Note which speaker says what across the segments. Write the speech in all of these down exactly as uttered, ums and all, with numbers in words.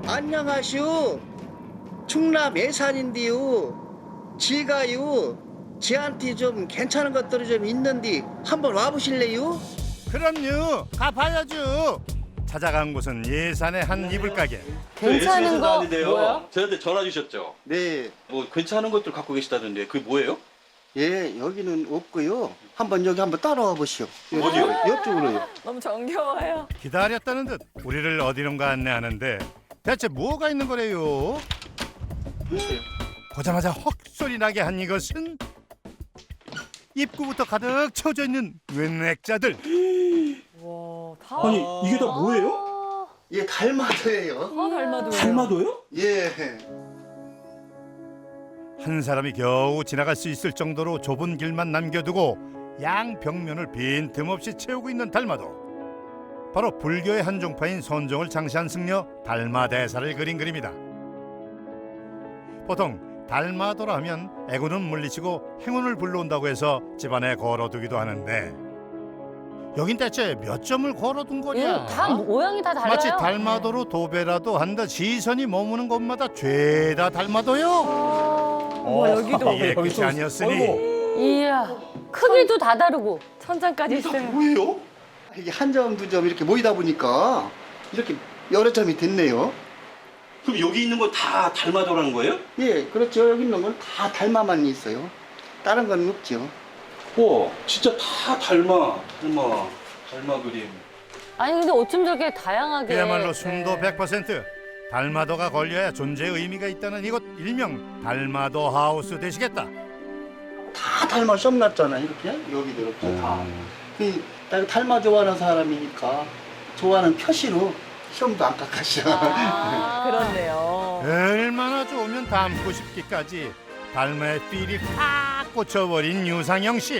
Speaker 1: 안녕하시오. 충남 예산인데요. 제가요 제한테 좀 괜찮은 것들이 좀 있는데 한번 와보실래요?
Speaker 2: 그럼요. 가봐야죠. 찾아간 곳은 예산의 한 이불 가게.
Speaker 3: 괜찮은 거 뭐야?
Speaker 4: 저한테 전화 주셨죠?
Speaker 1: 네.
Speaker 4: 뭐 괜찮은 것들 갖고 계시다던데 그게 뭐예요?
Speaker 1: 예, 여기는 없고요. 한번 여기 한번 따라와 보시오.
Speaker 4: 어디요?
Speaker 1: 이쪽으로요.
Speaker 3: 너무 정겨워요.
Speaker 2: 기다렸다는 듯 우리를 어디론가 안내하는데 대체 뭐가 있는 거래요? 보자마자 헉 소리 나게 한 이것은 입구부터 가득 채워져 있는 웬 액자들.
Speaker 3: 와, 다.
Speaker 4: 아니 이게 다 뭐예요?
Speaker 1: 예, 달마도예요.
Speaker 3: 다 닮아도.
Speaker 4: 달마도요?
Speaker 1: 예.
Speaker 2: 한 사람이 겨우 지나갈 수 있을 정도로 좁은 길만 남겨두고 양 벽면을 빈틈없이 채우고 있는 달마도. 바로 불교의 한 종파인 선종을 창시한 승려 달마대사를 그린 그림이다. 보통 달마도라 하면 애군은 물리치고 행운을 불러온다고 해서 집안에 걸어두기도 하는데 여긴 대체 몇 점을 걸어둔 거냐?
Speaker 5: 다 모양이 다 달라요.
Speaker 2: 마치 달마도로 도배라도 한 듯 시선이 머무는 곳마다 죄다 달마도요.
Speaker 3: 와, 여기도
Speaker 2: 이게 끝이 아니었으니
Speaker 5: 이야, 크기도 다 다르고.
Speaker 3: 천장까지 있어요.
Speaker 1: 뭐예요? 이게 한 점, 두 점 이렇게 모이다 보니까 이렇게 여러 점이 됐네요.
Speaker 4: 그럼 여기 있는 건 다 달마도라는 거예요?
Speaker 1: 예, 그렇죠. 여기 있는 건 다 달마만 있어요. 다른 건 없죠.
Speaker 4: 와 진짜 다 달마 달마 달마 그림.
Speaker 5: 아니 근데 어쩜 저렇게 다양하게.
Speaker 2: 그야말로 순도
Speaker 5: 네.
Speaker 2: 백 퍼센트 달마도가 걸려야 존재의 의미가 있다는 이곳 일명 달마도 하우스 되시겠다.
Speaker 1: 다 달마 썸 났잖아, 이렇게. 여기도 이렇게 다. 그, 나 달마 좋아하는 사람이니까 좋아하는 표시로 시험도 안 깎았어.
Speaker 5: 아,
Speaker 3: 그렇네요.
Speaker 2: 얼마나 좋으면 닮고 싶기까지 달마의 필이 팍 꽂혀버린 유상영 씨.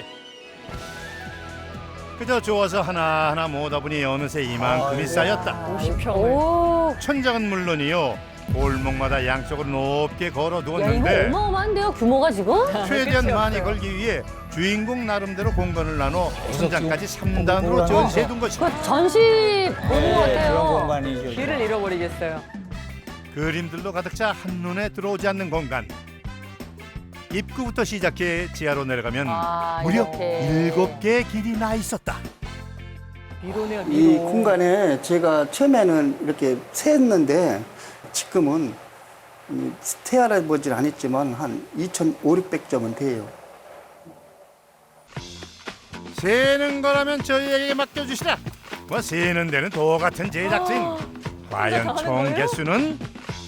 Speaker 2: 그저 좋아서 하나하나 모으다 보니 어느새 이만큼이 쌓였다.
Speaker 3: 오십 평을.
Speaker 5: 오,
Speaker 2: 천장은 물론이요. 골목마다 양쪽으로 높게
Speaker 5: 야 이거
Speaker 2: 걸어두었는데
Speaker 5: 어마어마한데요, 규모가 지금?
Speaker 2: 최대한
Speaker 3: 그쵸,
Speaker 2: 많이
Speaker 3: 그쵸.
Speaker 2: 걸기 위해 주인공 나름대로 공간을 나눠 천장까지 삼 단으로 전시해둔 것이다.
Speaker 5: 그 전시 보는 것
Speaker 6: 그런
Speaker 5: 같아요.
Speaker 6: 공간이죠.
Speaker 3: 길을 잃어버리겠어요.
Speaker 2: 그림들로 가득 차 한눈에 들어오지 않는 공간. 입구부터 시작해 지하로 내려가면
Speaker 5: 아,
Speaker 2: 무려
Speaker 5: 이렇게.
Speaker 2: 일곱 개의 길이 나 있었다.
Speaker 3: 미로네요, 미로.
Speaker 1: 이 공간에 제가 처음에는 이렇게 세었는데 지금은 태아라 보진 않았지만 한 이천오백 점은 돼요.
Speaker 2: 세는 거라면 저희에게 맡겨주시라. 뭐 세는 데는 도 같은 제작진. 과연
Speaker 3: 하는
Speaker 2: 총
Speaker 3: 거예요?
Speaker 2: 개수는?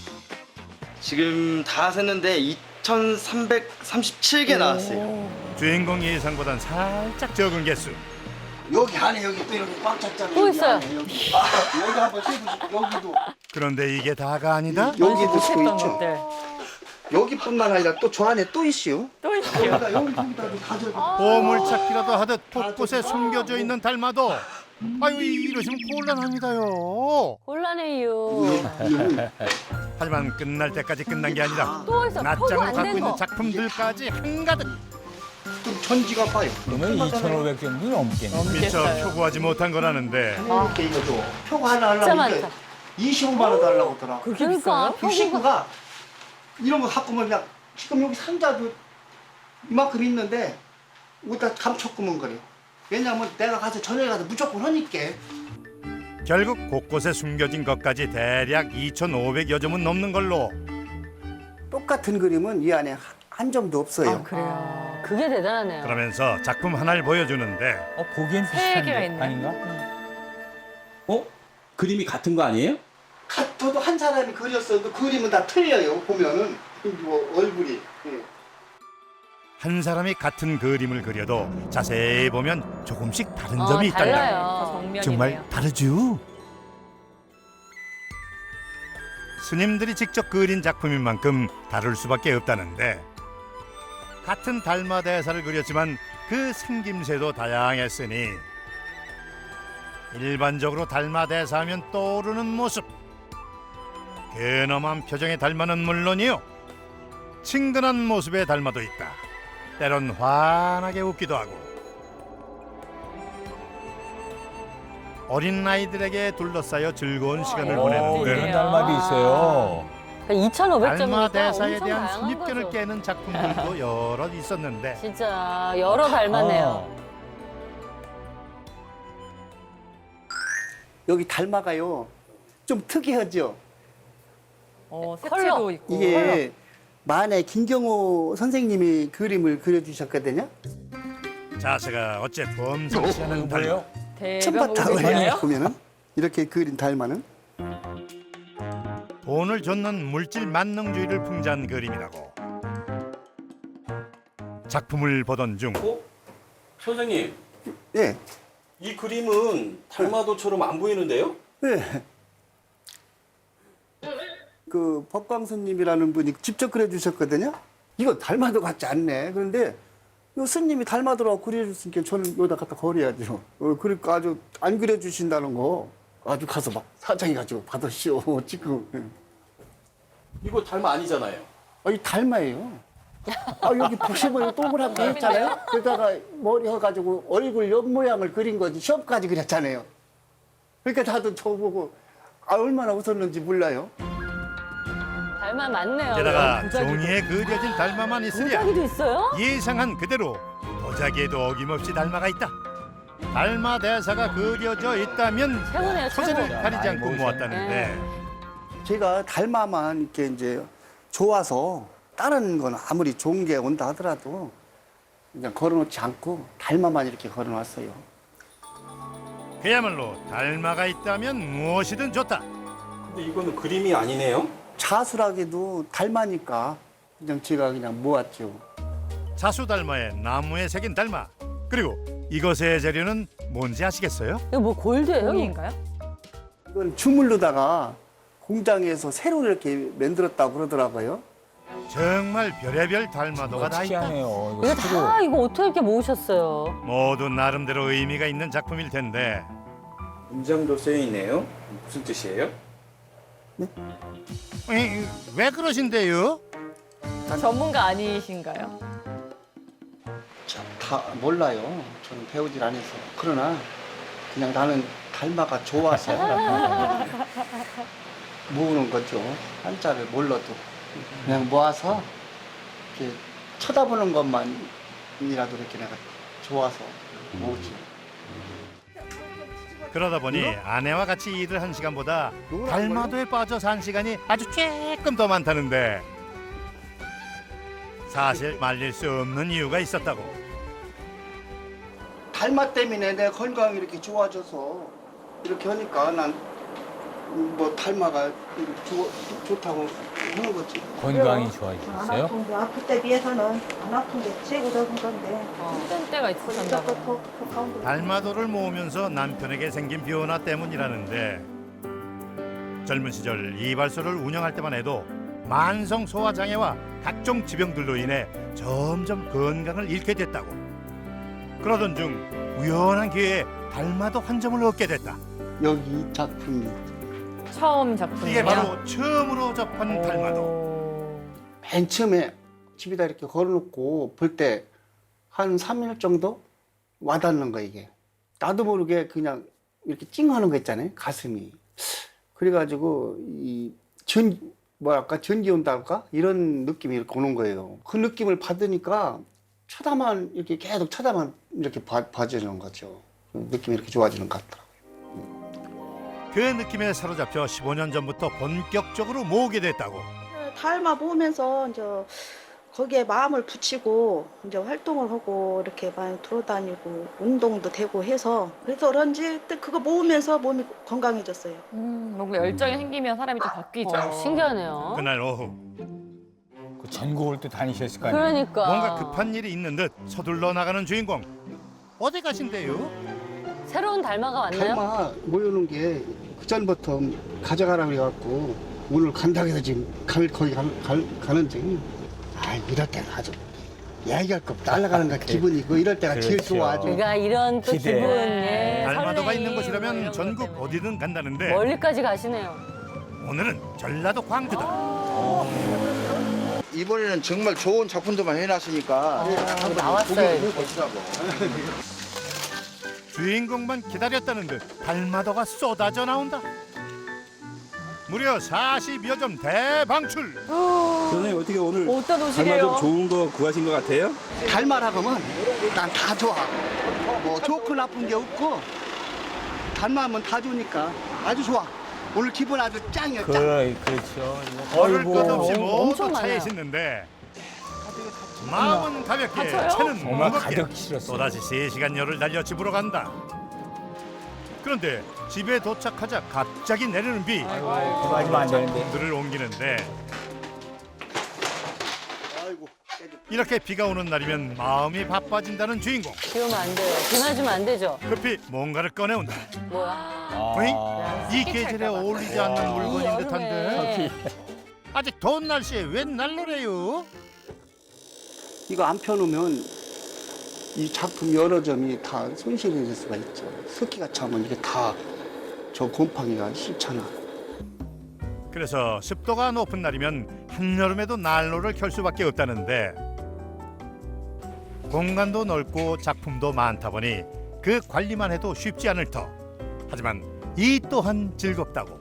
Speaker 7: 지금 다 셌는데 이천삼백삼십칠 개 나왔어요.
Speaker 2: 주인공 예상보단 살짝 적은 개수.
Speaker 1: 여기 안에 여기 또 이렇게 꽉 찼잖아요.
Speaker 5: 또
Speaker 1: 여기
Speaker 5: 있어요.
Speaker 1: 안에 여기. 아, 여기 한번 세보시죠. 여기도.
Speaker 2: 그런데 이게 다가 아니다?
Speaker 1: 여기도 또
Speaker 3: 했던
Speaker 1: 있죠.
Speaker 3: 것들.
Speaker 1: 여기뿐만 아니라 또 저 안에 또 있어요.
Speaker 3: 또 있어요.
Speaker 1: 여기다 여기 여기다도 가져가.
Speaker 2: 보물찾기라도 하듯 곳곳에 숨겨져 있는 달마도. 아유 이러시면 곤란합니다요.
Speaker 5: 곤란해요.
Speaker 2: 하지만 끝날 때까지 끝난 게 아니라
Speaker 5: 또 있어. 포도
Speaker 2: 낱장으로
Speaker 5: 안
Speaker 2: 갖고
Speaker 5: 된
Speaker 2: 있는
Speaker 5: 거.
Speaker 2: 작품들까지 한가득.
Speaker 1: 좀 전지가 봐요.
Speaker 6: 그러면 이천오백 점도 넘겠네.
Speaker 2: 미처
Speaker 3: 넘겠어요.
Speaker 2: 표구하지 못한 거라는데
Speaker 1: 이렇게 이거 줘. 표고 하나
Speaker 5: 진짜
Speaker 1: 하려면 이게
Speaker 5: 많다.
Speaker 1: 이십오만 원 달라고 하더라.
Speaker 3: 그렇게
Speaker 5: 그러니까
Speaker 3: 비싸요?
Speaker 1: 그 식구가 이런 거 갖고 오면 그냥 지금 여기 상자도 이만큼 있는데 여기다 감춰꾸면 그래요. 왜냐면 내가 가서 저녁에 가서 무조건 하니까.
Speaker 2: 결국 곳곳에 숨겨진 것까지 대략 이천오백여 점은 넘는 걸로.
Speaker 1: 똑같은 그림은 이 안에 한 점도 없어요.
Speaker 3: 아, 그래요.
Speaker 5: 그게 대단하네요.
Speaker 2: 그러면서 작품 하나를 보여주는데
Speaker 6: 어, 보기엔
Speaker 3: 세 개가
Speaker 6: 비슷한데
Speaker 3: 있네.
Speaker 6: 아닌가?
Speaker 4: 어? 그림이 같은 거 아니에요?
Speaker 1: 같아도 한 사람이 그렸어도 그림은 다 틀려요. 보면은 뭐 얼굴이. 예.
Speaker 2: 한 사람이 같은 그림을 그려도 자세히 보면 조금씩 다른
Speaker 5: 어,
Speaker 2: 점이 있다.
Speaker 3: 다
Speaker 5: 달라요.
Speaker 3: 정면이네요.
Speaker 2: 정말 다르죠. 스님들이 직접 그린 작품인 만큼 다를 수밖에 없다는데 같은 달마 대사를 그렸지만 그 생김새도 다양했으니 일반적으로 달마 대사하면 떠오르는 모습 근엄한 표정의 달마는 물론이요 친근한 모습의 달마도 있다. 때론 환하게 웃기도 하고 어린 아이들에게 둘러싸여 즐거운 시간을
Speaker 3: 어,
Speaker 2: 보내는
Speaker 3: 그래요?
Speaker 2: 데
Speaker 6: 이런 달마도 있어요.
Speaker 5: 이천오백 점이니까
Speaker 2: 달마 대사에
Speaker 5: 엄청
Speaker 2: 대한
Speaker 5: 다양한
Speaker 2: 선입견을
Speaker 5: 거죠.
Speaker 2: 깨는 작품들도 여러 있었는데
Speaker 5: 진짜 여러 닮았네요.
Speaker 6: 어.
Speaker 1: 여기 닮아가요. 좀 특이하죠.
Speaker 3: 어,
Speaker 5: 컬러.
Speaker 3: 색채도 있고.
Speaker 1: 이게 만에 김경호 선생님이 그림을 그려주셨거든요.
Speaker 2: 자세가 어째 범상치 않은 달마.
Speaker 6: 뭐예요?
Speaker 3: 대변
Speaker 1: 천바탕을
Speaker 3: 보이나요?
Speaker 1: 보면은 이렇게 그린 달마는
Speaker 2: 돈을 줬는 물질 만능주의를 풍자한 그림이라고. 작품을 보던 중
Speaker 4: 어? 선생님,
Speaker 1: 예,
Speaker 4: 이 그림은 달마도처럼 안 보이는데요?
Speaker 1: 예. 그 법광스님이라는 분이 직접 그려주셨거든요. 이거 달마도 같지 않네. 그런데 이 스님이 달마도라고 그려줬으니까 저는 여기다 갖다 버려야죠. 어, 그러니까 아주 안 그려주신다는 거 아주 가서 막 사장해가지고 받으시오 지금.
Speaker 4: 이거 달마 아니잖아요.
Speaker 1: 아, 이 달마예요. 아, 여기 보시면 동그랗게 했잖아요. 그러다가 머리 해가지고 얼굴 옆 모양을 그린 거지. 시험까지 그렸잖아요. 그러니까 다들 저보고 아, 얼마나 웃었는지 몰라요.
Speaker 5: 닮아 맞네요.
Speaker 2: 게다가
Speaker 3: 도자기도.
Speaker 2: 종이에 그려진 달마만 있으랴
Speaker 5: 도자기도 있어요?
Speaker 2: 예상한 그대로 도자기에도 어김없이 달마가 있다. 달마 대사가 그려져 있다면
Speaker 5: 최고네요,
Speaker 2: 소재를
Speaker 5: 최고.
Speaker 2: 가리지 않고
Speaker 6: 아이고,
Speaker 2: 모았다는데
Speaker 1: 제가 달마만 이렇게 이제 좋아서 다른 건 아무리 좋은 게 온다 하더라도 그냥 걸어놓지 않고 달마만 이렇게 걸어놨어요.
Speaker 2: 그야말로 달마가 있다면 무엇이든 좋다.
Speaker 4: 근데 이거는 그림이 아니네요?
Speaker 1: 자수라기도 달마니까 그냥 제가 그냥 모았죠.
Speaker 2: 자수 달마에 나무에 새긴 달마. 그리고 이것의 재료는 뭔지 아시겠어요?
Speaker 5: 이거 뭐 골드예요?
Speaker 3: 종이인가요?
Speaker 1: 이건 주물르다가 공장에서 새로 이렇게 만들었다고 그러더라고요.
Speaker 2: 정말 별의별 달마도가 다 있다.
Speaker 6: 특이하네요.
Speaker 5: 이거
Speaker 6: 이거 새로.
Speaker 5: 다 이거 어떻게 이렇게 모으셨어요?
Speaker 2: 모두 나름대로 의미가 있는 작품일 텐데
Speaker 4: 문장도 쓰여 있네요. 무슨 뜻이에요?
Speaker 2: 에이, 왜 그러신데요?
Speaker 3: 전문가 아니신가요?
Speaker 1: 자, 다 몰라요. 저는 배우질 않아서. 그러나 그냥 나는 달마가 좋아서 모으는 거죠. 한자를 몰라도 그냥 모아서 이렇게 쳐다보는 것만이라도 이렇게 내가 좋아서 모으지.
Speaker 2: 그러다 보니 아내와 같이 일을 한 시간보다 달마도에 빠져서 한 시간이 아주 조금 더 많다는데 사실 말릴 수 없는 이유가 있었다고.
Speaker 1: 달마 때문에 내 건강이 이렇게 좋아져서 이렇게 하니까 난 뭐 달마가 좋, 좋다고 하는 거지.
Speaker 6: 건강이
Speaker 7: 안
Speaker 6: 좋아지셨어요?
Speaker 7: 아픈 거 아플 때 비해서는 안 아픈 게 최고 좋은 건데
Speaker 3: 힘든 때가 있으셨나
Speaker 7: 또
Speaker 3: 봐요.
Speaker 7: 더 가운데
Speaker 2: 달마도를 모으면서 남편에게 생긴 변화 때문이라는데 젊은 시절 이발소를 운영할 때만 해도 만성 소화 장애와 각종 지병들로 인해 점점 건강을 잃게 됐다고. 그러던 중 우연한 기회에 달마도 한 점을 얻게 됐다.
Speaker 1: 여기 이 작품이
Speaker 3: 처음 작품이에요.
Speaker 2: 이게 바로 처음으로 접한 달마도.
Speaker 3: 오.
Speaker 1: 맨 처음에 집에다 이렇게 걸어놓고 볼 때 한 삼 일 정도 와닿는 거 이게. 나도 모르게 그냥 이렇게 찡하는 거 있잖아요. 가슴이. 그래가지고 이 전, 뭐랄까 전기 온다 할까? 이런 느낌이 이렇게 오는 거예요. 그 느낌을 받으니까 쳐다만 이렇게 계속 쳐다만 이렇게 봐, 봐주는 거죠. 느낌이 이렇게 좋아지는 것 같더라고요.
Speaker 2: 그 느낌에 사로잡혀 십오 년 전부터 본격적으로 모으게 됐다고.
Speaker 7: 달마 보면서 이제 거기에 마음을 붙이고 이제 활동을 하고 이렇게 많이 돌아다니고 운동도 되고 해서 그래서 그런지 또 그거 모으면서 몸이 건강해졌어요.
Speaker 3: 음, 뭔가 열정이 생기면 사람이 또 바뀌죠.
Speaker 5: 어, 신기하네요.
Speaker 2: 그날 오후
Speaker 6: 그 전국을 또 다니셨을 거 아니에요?
Speaker 5: 그러니까.
Speaker 2: 뭔가 급한 일이 있는 듯 서둘러 나가는 주인공. 어디 가신대요?
Speaker 5: 새로운 달마가 왔나요?
Speaker 1: 달마 모여놓은 게 그전부터 가져가라고 해갖고 오늘 간다고 해서 지금 갈, 거기 가, 갈, 가는데 아 이럴 때가 아주 얘기할 거 없다. 날아가는 거 기분이고 이럴 때가 제일
Speaker 6: 그렇죠.
Speaker 1: 좋아 아주.
Speaker 5: 그러니까 이런 또
Speaker 6: 기대.
Speaker 5: 기분, 예,
Speaker 2: 달마도가
Speaker 5: 설레임,
Speaker 2: 있는
Speaker 5: 뭐
Speaker 2: 곳이라면
Speaker 5: 이런 것
Speaker 2: 전국
Speaker 5: 때문에.
Speaker 2: 어디든 간다는데
Speaker 5: 멀리까지 가시네요.
Speaker 2: 오늘은 전라도 광주다.
Speaker 8: 이번에는 정말 좋은 작품들만 해놨으니까
Speaker 5: 어,
Speaker 8: 한번
Speaker 5: 나왔어요,
Speaker 8: 구경해
Speaker 5: 이렇게.
Speaker 8: 보시라고.
Speaker 2: 주인공만 기다렸다는 듯 달마도가 쏟아져 나온다. 무려 사십여 점 대방출.
Speaker 8: 선생님 어떻게 오늘
Speaker 3: 어디다
Speaker 8: 달마
Speaker 3: 놓으시게요?
Speaker 8: 좀 좋은 거 구하신 것 같아요?
Speaker 1: 달마라고 하면 난 다 좋아. 뭐 좋고 나쁜 게 없고 달마하면 다 좋으니까 아주 좋아. 오늘 기분 아주 짱이야 짱.
Speaker 6: 그래, 그렇죠.
Speaker 2: 걸을
Speaker 6: 어이구,
Speaker 2: 것 없이
Speaker 5: 엄청
Speaker 2: 모두 차에
Speaker 5: 많아요.
Speaker 2: 싣는데 마음은 가볍게
Speaker 3: 다쳐요?
Speaker 2: 차는
Speaker 6: 정말
Speaker 2: 무겁게
Speaker 6: 가득 실었어요.
Speaker 2: 또다시 세 시간 열을 달려 집으로 간다. 그런데 집에 도착하자 갑자기 내리는 비.
Speaker 6: 그거 하시면 안 되는데.
Speaker 2: 작품들을 옮기는데
Speaker 1: 아이고.
Speaker 2: 이렇게 비가 오는 날이면 마음이 바빠진다는 주인공.
Speaker 5: 비 오면 안 돼요. 비 맞으면 안 되죠.
Speaker 2: 급히 뭔가를 꺼내온다.
Speaker 5: 뭐야?
Speaker 6: 아,
Speaker 2: 이 계절에 어울리지 않는 물건인
Speaker 5: 여름에.
Speaker 2: 듯한데 아직 더운 날씨에 웬 난로래요?
Speaker 1: 이거 안 펴놓으면 이 작품 여러 점이 다 손실이 될 수가 있죠. 습기가 차면 이게 다 저 곰팡이가 싫잖아.
Speaker 2: 그래서 습도가 높은 날이면 한여름에도 난로를 켤 수밖에 없다는데 공간도 넓고 작품도 많다 보니 그 관리만 해도 쉽지 않을 터. 하지만 이 또한 즐겁다고.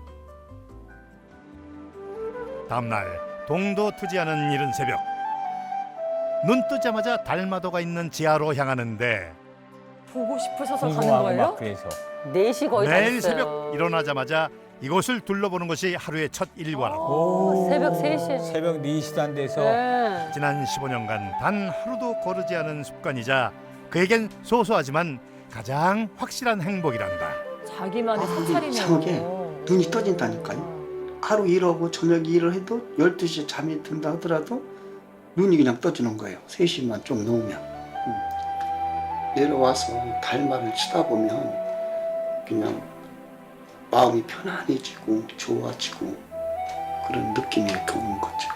Speaker 2: 다음날 동도 트지 않은 이른 새벽 눈 뜨자마자 달마도가 있는 지하로 향하는데
Speaker 3: 보고 싶으셔서 가는
Speaker 6: 궁금하고
Speaker 3: 거예요?
Speaker 6: 막 그래서.
Speaker 5: 네 시 거의 다
Speaker 2: 내일
Speaker 5: 됐어요.
Speaker 2: 새벽 일어나자마자 이곳을 둘러보는 것이 하루의 첫 일과라고.
Speaker 5: 오, 새벽 세 시에.
Speaker 6: 새벽 네 시도 안 돼서
Speaker 5: 네.
Speaker 2: 지난 십오 년간 단 하루도 거르지 않은 습관이자 그에겐 소소하지만 가장 확실한 행복이란다.
Speaker 3: 자기만의
Speaker 1: 아,
Speaker 3: 사찰이네요.
Speaker 1: 이상하게 눈이 떠진다니까요. 하루 일하고 저녁 일을 해도 열두 시에 잠이 든다 하더라도 눈이 그냥 떠지는 거예요. 세 시만 좀 넘으면. 음. 내려와서 달마를 치다 보면 그냥 마음이 편안해지고 좋아지고 그런 느낌이 이렇게 오는 거죠.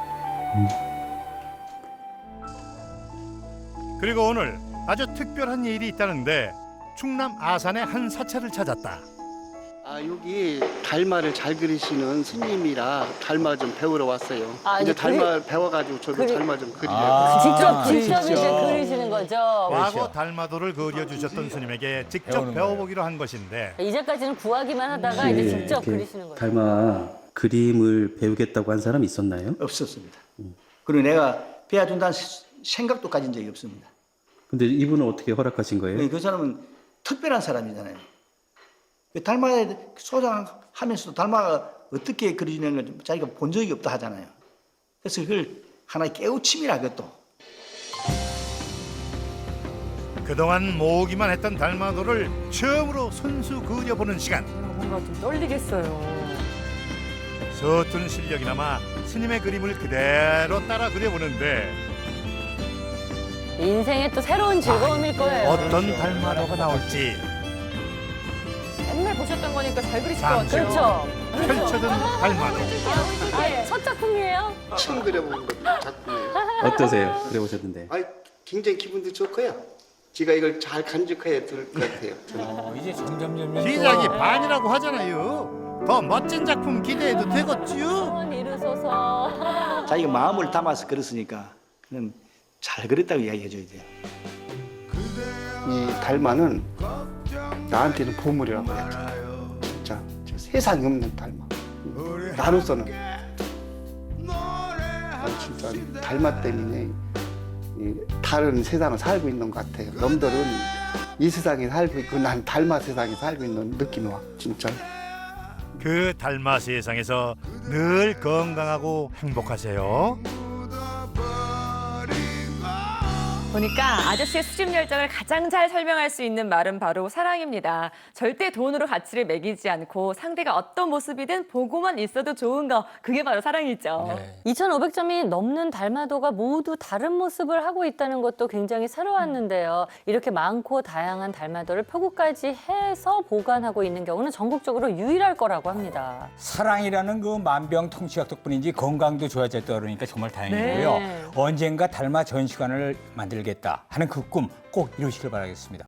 Speaker 2: 그리고 오늘 아주 특별한 일이 있다는데 충남 아산의 한 사찰을 찾았다.
Speaker 1: 아 여기 달마를 잘 그리시는 스님이라 달마 좀 배우러 왔어요.
Speaker 5: 아,
Speaker 1: 이제
Speaker 5: 이제
Speaker 1: 달마 배워가지고 저도
Speaker 5: 그리-
Speaker 1: 달마 좀 그리려고.
Speaker 6: 아,
Speaker 5: 직접 직접
Speaker 6: 직접.
Speaker 5: 이제 그리시는 거죠.
Speaker 2: 과거
Speaker 6: 그렇죠.
Speaker 2: 달마도를 그려주셨던 스님에게 직접
Speaker 6: 배우는
Speaker 2: 배워보기로 한 것인데
Speaker 5: 이제까지는 구하기만 하다가 이제 직접
Speaker 9: 이렇게
Speaker 5: 그리시는 거죠.
Speaker 9: 달마 그림을 배우겠다고 한 사람 있었나요?
Speaker 10: 없었습니다. 그리고 내가 배워준다는 생각도 가진 적이 없습니다.
Speaker 9: 근데 이분은 어떻게 허락하신 거예요?
Speaker 10: 그 사람은 특별한 사람이잖아요. 그 달마에 소장하면서도 달마가 어떻게 그려지는 걸 자기가 본 적이 없다 하잖아요. 그래서 그걸 하나의 깨우침이라 그것도.
Speaker 2: 그동안 모으기만 했던 달마도를 처음으로 손수 그려보는 시간.
Speaker 3: 뭔가 좀 떨리겠어요.
Speaker 2: 서툰 실력이나마 스님의 그림을 그대로 따라 그려보는데
Speaker 5: 인생의 또 새로운 즐거움일 거예요.
Speaker 2: 어떤 달마도가 나올지
Speaker 3: 맨날 보셨던 거니까 잘 그리실 것
Speaker 2: 잠시
Speaker 3: 같아요.
Speaker 5: 그렇죠.
Speaker 2: 펼쳐든 달마도.
Speaker 5: 아, 첫 작품이에요?
Speaker 1: 처음 그려보는 거 작품이에요.
Speaker 9: 어떠세요? 그려보셨는데.
Speaker 1: 아 굉장히 기분도 좋고요. 제가 이걸 잘 간직해야 될 것 같아요. 저는.
Speaker 6: 어, 이제 점점 점점 또
Speaker 2: 시작이 반이라고 하잖아요. 더 멋진 작품 기대해도 되겠지요?
Speaker 5: 소원 이루소서.
Speaker 10: 자기가 마음을 담아서 그렸으니까 그는 잘 그렸다고 이야기해줘야 돼요.
Speaker 1: 이 달마는 나한테는 보물이라고 해야죠. 진짜 세상에 없는 달마. 나로서는 아, 진짜 달마 때문에 이 다른 세상을 살고 있는 것 같아요. 놈들은 이 세상에 살고 있고 난 달마 세상에 살고 있는 느낌이 와. 진짜.
Speaker 2: 그 달마 세상에서 늘 건강하고 행복하세요.
Speaker 3: 보니까 아저씨의 수집 열정을 가장 잘 설명할 수 있는 말은 바로 사랑입니다. 절대 돈으로 가치를 매기지 않고 상대가 어떤 모습이든 보고만 있어도 좋은 거, 그게 바로 사랑이죠.
Speaker 6: 네.
Speaker 5: 이천오백 점이 넘는 달마도가 모두 다른 모습을 하고 있다는 것도 굉장히 새로웠는데요. 이렇게 많고 다양한 달마도를 표구까지 해서 보관하고 있는 경우는 전국적으로 유일할 거라고 합니다.
Speaker 6: 사랑이라는 그 만병통치약 덕분인지 건강도 좋아졌다 그러니까 정말 다행이고요.
Speaker 3: 네.
Speaker 6: 언젠가 달마 전시관을 만들겠다 하는 그 꿈 꼭 이루시길 바라겠습니다.